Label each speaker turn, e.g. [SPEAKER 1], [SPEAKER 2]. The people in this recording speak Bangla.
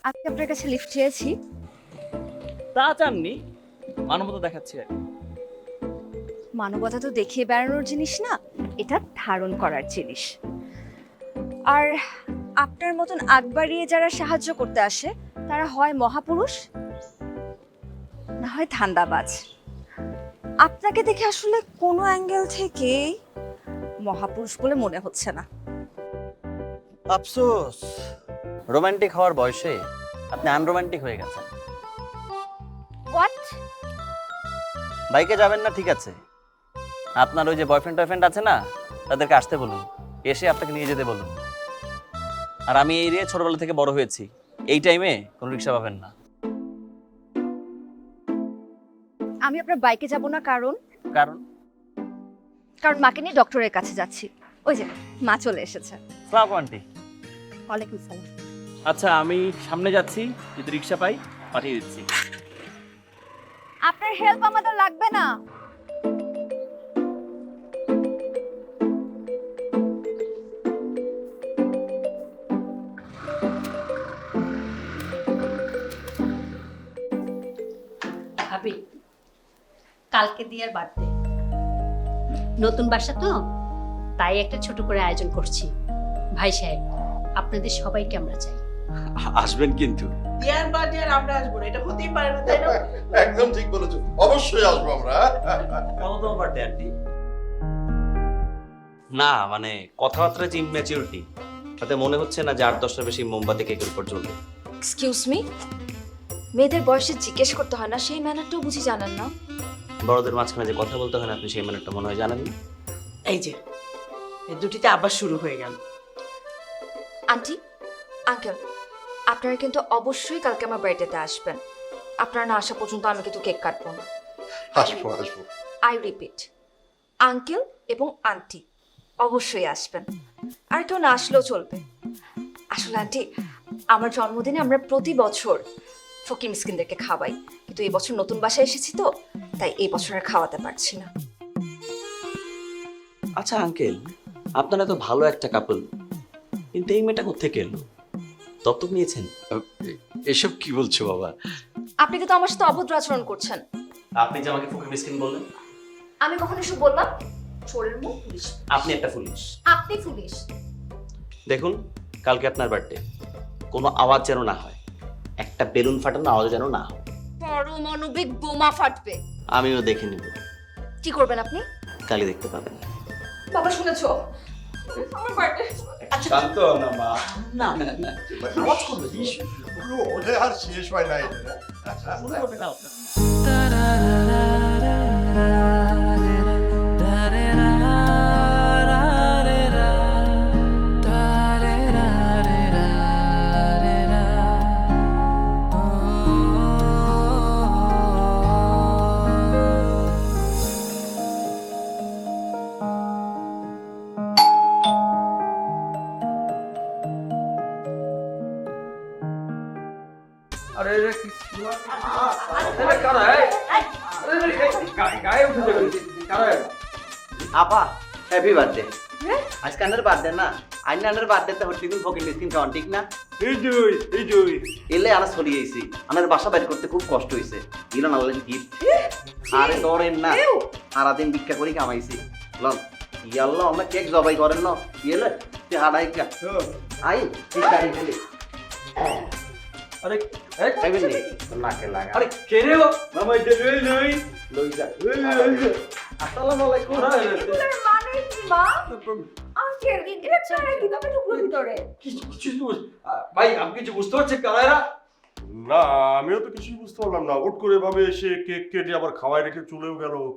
[SPEAKER 1] আজকে আপনার কাছে লিফট চেয়েছি।
[SPEAKER 2] তা চাননি, মানবতা দেখাচ্ছি আর কি।
[SPEAKER 1] মানবতা তো দেখিয়ে বেড়ানোর জিনিস না, এটা ধারণ করার জিনিস। আর আপনার মতন আগ বাড়িয়ে যারা সাহায্য করতে আসে তারা হয় মহাপুরুষ না হয় ধান্দাবাজ। আপনাকে দেখে আসলে কোনো অ্যাঙ্গেল থেকেই মহাপুরুষ বলে মনে হচ্ছে না।
[SPEAKER 3] আফসোস, রোমান্টিক হওয়ার বয়সে আপনি আনরোমান্টিক হয়ে গেছেন।
[SPEAKER 1] হোয়াট?
[SPEAKER 3] বাইকে যাবেন না ঠিক আছে, আপনার ওই যে বয়ফ্রেন্ড আছে না, তাদেরকে আসতে বলুন, এসে আপনাকে নিয়ে যেতে বলুন। আর আমি এই এরিয়ায় ছোটবেলা থেকে বড় হয়েছি, এই টাইমে কোনো রিক্সা পাবেন না।
[SPEAKER 1] আমি আপনার বাইকে যাব না, কারণ
[SPEAKER 3] কারণ
[SPEAKER 1] কারণ মাকে নিয়ে ডক্টরের কাছে যাচ্ছি। ওই যে মা চলে এসেছে।
[SPEAKER 3] সালাম আন্টি।
[SPEAKER 1] ওয়ালাইকুম সালাম।
[SPEAKER 2] আচ্ছা, আমি সামনে যাচ্ছি, যদি রিক্সা পাই পাঠিয়ে দিচ্ছি।
[SPEAKER 1] আপনার হেল্প আমাদের লাগবে না।
[SPEAKER 4] ভাবি, কালকে দিয়ার বার্থডে, নতুন বাসা তো, তাই একটা ছোট করে আয়োজন করছি। ভাই সাহেব, আপনাদের সবাইকে আমরা চাই।
[SPEAKER 5] আসবেন কিন্তু।
[SPEAKER 6] দিয়ার বাদে আর আমরা আসবো না, এটা হতেই পারে না, তাই না?
[SPEAKER 7] একদম ঠিক বলেছো, অবশ্যই আসবো আমরা।
[SPEAKER 3] কেমন তোমার বার্থডে আন্টি? না মানে কথাবার্তা যে ইম্যাচিউরিটি, তাতে মনে হচ্ছে না যে 8-10টার বেশি মোমবাতি কেকের উপর জ্বলবে।
[SPEAKER 1] এক্সকিউজ মি, মেয়েদের বয়সে জিজ্ঞেস করতে হয় না, সেই ম্যানারটাও বুঝি জানেন না।
[SPEAKER 3] বড়দের মাঝখানে যে কথা বলতে হয় না, আপনি সেই ম্যানারটা মনে হয় জানেন না।
[SPEAKER 6] এই যে এই দুটিতে আবার শুরু হয়ে গেল।
[SPEAKER 1] আন্টি, আঙ্কেল, আপনারা কিন্তু অবশ্যই কালকে আমার বার্থডেতে আসবেন। আপনারা না আসা পর্যন্ত আমি কিন্তু কেক কাটবো না।
[SPEAKER 7] আসবো আসবো।
[SPEAKER 1] আই রিপিট, আঙ্কেল এবং আন্টি অবশ্যই আসবেন। আর কেউ না আসলেও চলবে। আসলে আন্টি, আমার জন্মদিনে আমরা প্রতি বছর ফকির মিসকিনদেরকে খাওয়াই, কিন্তু এই বছর নতুন বাসায় এসেছি তো, তাই এই বছর আর খাওয়াতে পারছি না।
[SPEAKER 3] আচ্ছা আঙ্কেল, আপনারা তো ভালো একটা কাপল, কিন্তু এই মেয়েটা কোত্থেকে এলো? দত্তক নিয়েছেন?
[SPEAKER 5] এসব কি বলছো বাবা?
[SPEAKER 1] আপনি কিন্তু আমার সাথে অভদ্র আচরণ করছেন।
[SPEAKER 3] আপনি যে আমাকে ফকির মিসকিন বললেন?
[SPEAKER 1] আমি কখন এসব বললাম? চোরের মুখ পুলিশ।
[SPEAKER 3] আপনি একটা পুলিশ।
[SPEAKER 1] আপনি পুলিশ।
[SPEAKER 3] দেখুন, কালকে আপনার বার্থডে, কোনো আওয়াজ যেন না হয়, একটা বেলুন ফাটানো আওয়াজ যেন না হয়।
[SPEAKER 1] পারমাণবিক বোমা ফাটবে।
[SPEAKER 3] আমিও দেখে নিব।
[SPEAKER 1] কি করবেন আপনি?
[SPEAKER 3] কালই দেখতে পাবেন।
[SPEAKER 1] বাবা শুনেছো? আমার বার্থডে।
[SPEAKER 5] শান্ত না মা।
[SPEAKER 3] না
[SPEAKER 7] আওয়াজ করবে ওটা আর শেষ হয় নাই।
[SPEAKER 3] শুরু করবে না আপনার।
[SPEAKER 5] আরে রে কি আরে কারা এই? আরে গায়ে উঠে যাবে। কারা?
[SPEAKER 3] আপা, হ্যাপি বার্থডে। আজকে আন্নার বার্থডে না, আন্নার বার্থডেতে হচ্ছে দিন ফকির মিসকিন খাওয়ান, ঠিক না?
[SPEAKER 5] এই যে
[SPEAKER 3] এলে আনা ছড়িয়ে আইছি, আনার বাসা বাইর করতে খুব কষ্ট হয়েছে। ইলান আনলেন গিফট। আরে ধরেন না, সারাদিন ভিক্ষা করি কামাইছি। লন ইয়াল্লাহ, আমরা কেক জবাই করেন না, ইয়েলে তে হাড়াই কা আই ঠিক আছে গেলে।
[SPEAKER 5] আরে এই
[SPEAKER 3] খাইবেন নি? নাকে লাগা।
[SPEAKER 5] আরে কে রে ও? মামা এটা লই
[SPEAKER 3] লই যা।
[SPEAKER 5] আসসালামু আলাইকুম।
[SPEAKER 1] মানে কি মা? আঙ্কেল, এটা ছাড়া কিভাবে ঢুকলো ভিতরে?
[SPEAKER 5] কিছু ভাই, আপনি কিছু বুঝতে পারছেন কারা এরা?
[SPEAKER 7] না, আমিও তো কিছুই বুঝতে পারলাম না। হুট করে এভাবে এসে কেক কেটে আবার খাওয়াই রেখে চলেও গেল।